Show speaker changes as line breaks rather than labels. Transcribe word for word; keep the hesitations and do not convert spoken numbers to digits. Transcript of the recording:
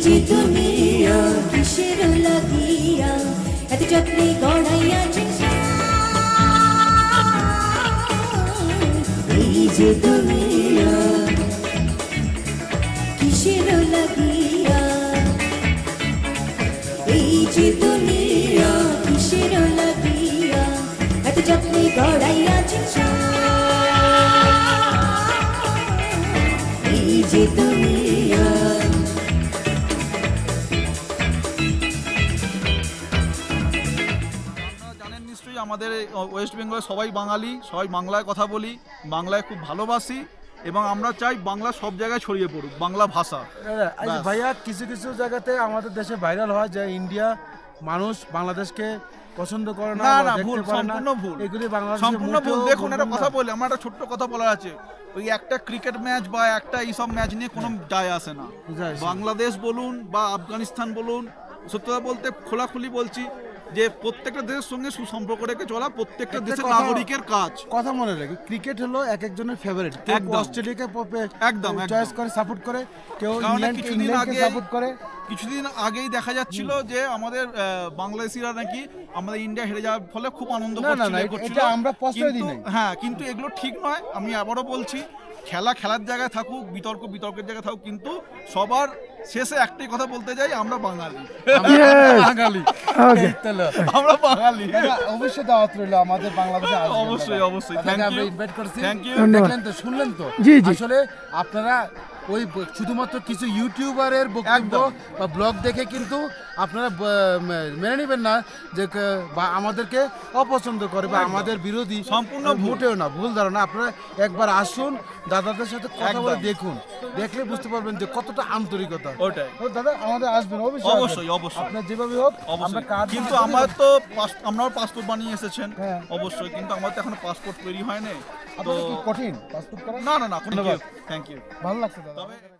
যে দুনিয়া কিসের লাগিয়া এত যত্নে গড়াইয়াছে এই যে দুনিয়া কিসের লাগিয়া এই যে দুনিয়া কিসের লাগিয়া এত যত্নে গড়াইয়াছে এই যে দুনিয়া।
জানেন নিশ্চয়ই আমাদের ওয়েস্ট বেঙ্গলে সবাই বাঙালি, সবাই বাংলায় কথা বলি, বাংলায় খুব ভালোবাসি এবং আমরা চাই বাংলা সব জায়গায় ছড়িয়ে পড়ুক বাংলা ভাষা।
আচ্ছা ভাইয়া, কিছু কিছু জায়গাতে আমাদের দেশে ভাইরাল হয় যে ইন্ডিয়া মানুষ বাংলাদেশকে পছন্দ করে না,
না
বা
না
দেখতে
ভুল,
পারে না।
সম্পূর্ণ ভুল,
এগুলি বাংলাদেশে
সম্পূর্ণ ভুল।
মোটেও
দেখুন একটা
বলবেন
কথা
না।
বলি, আমার একটা ছোট্ট কথা বলার আছে। ওই একটা ক্রিকেট ম্যাচ বা একটা এইসব ম্যাচ নিয়ে কোনো যায় আসে না।
যায় আসে না।
বাংলাদেশ বলুন বা আফগানিস্তান বলুন, সত্যি কথা বলতে খোলাখুলি বলছি যে প্রত্যেকটা দেশের সঙ্গে সুসম্পর্ক রেখে চলা প্রত্যেকটা
একটা
দেশের
কথা-
নাগরিকের কাজ।
কথা মনে রাখি, ক্রিকেট হলো এক একজনের ফেভারিট। কেউ
একদম।
অস্ট্রেলিয়াকে
একদম,
চয়েস
একদম।
করে সাপোর্ট করে, কেউ
কারণ
ইংল্যান্ড
কিছুদিন
ইংল্যান্ডকে
আগে
সাপোর্ট করে।
কিছুদিন আগেই দেখা যাচ্ছিল যে আমাদের আহ, বাংলাদেশিরা নাকি আমাদের ইন্ডিয়া হেরে যাওয়ার ফলে খুব আনন্দ
না, না,
করছিল,
না,
এ
এটা-
করছিল।
এটা আমরা প্রশ্রয় দিই
কিন্তু-
নাই।
হ্যাঁ, কিন্তু এগুলো ঠিক নয়। আমি আবারও বলছি, খেলা খেলার জায়গায় থাকুক, বিতর্ক বিতর্কের জায়গায় থাকুক, কিন্তু সবার শেষে একটাই কথা বলতে যাই, আমরা বাঙালি।
বাঙালি এই তো হলো।
আমরা বাঙালি।
দাদা, অবশ্যই দাওয়াত রইলো আমাদের বাংলাদেশে আসবেন।
অবশ্যই,
দাদা।
অবশ্যই।
দাদাকে
Thank
আমরা
you.
ইনভাইট করছি।
Thank you.
দেখলেন তো, শুনলেন তো।
জি, জি।
আসলে আপনারা ওই ব- শুধুমাত্র কিছু ইউটিউবারের বক্তব্য
একদম।
বা ব্লগ দেখে কিন্তু আপনারা ব- মে- মেনে নেবেন না যে ক- বা আমাদেরকে অপছন্দ করে বা আমাদের বিরোধী।
সম্পূর্ণ ভুল।
মোটেও না, ভুল ধারণা। আপনারা একবার আসুন, দাদাদের সাথে কথা বলে
একদম।
দেখুন, দেখলে বুঝতে পারবেন যে কতটা আন্তরিকতা।
ওটাই।
ও দাদা, আমাদের আসবেন অবশ্যই,
অবশ্যই,
আসবেন।
অবশ্যই।
আপনার যেভাবে হোক আমরা
অবশ্যই।
কাজ
কিন্তু
করে
আমার
দেব।
তো পাস- আপনারাও পাসপোর্ট বানিয়ে এসেছেন,
হ্যাঁ।
অবশ্যই, কিন্তু আমার তো এখনো পাসপোর্ট তৈরি হয়নি। তো
আপনাদের কি কঠিন পাসপোর্ট করা?
না না না,
ধন্যবাদ।
Thank you.
ভালো লাগছে দাদা।
তবে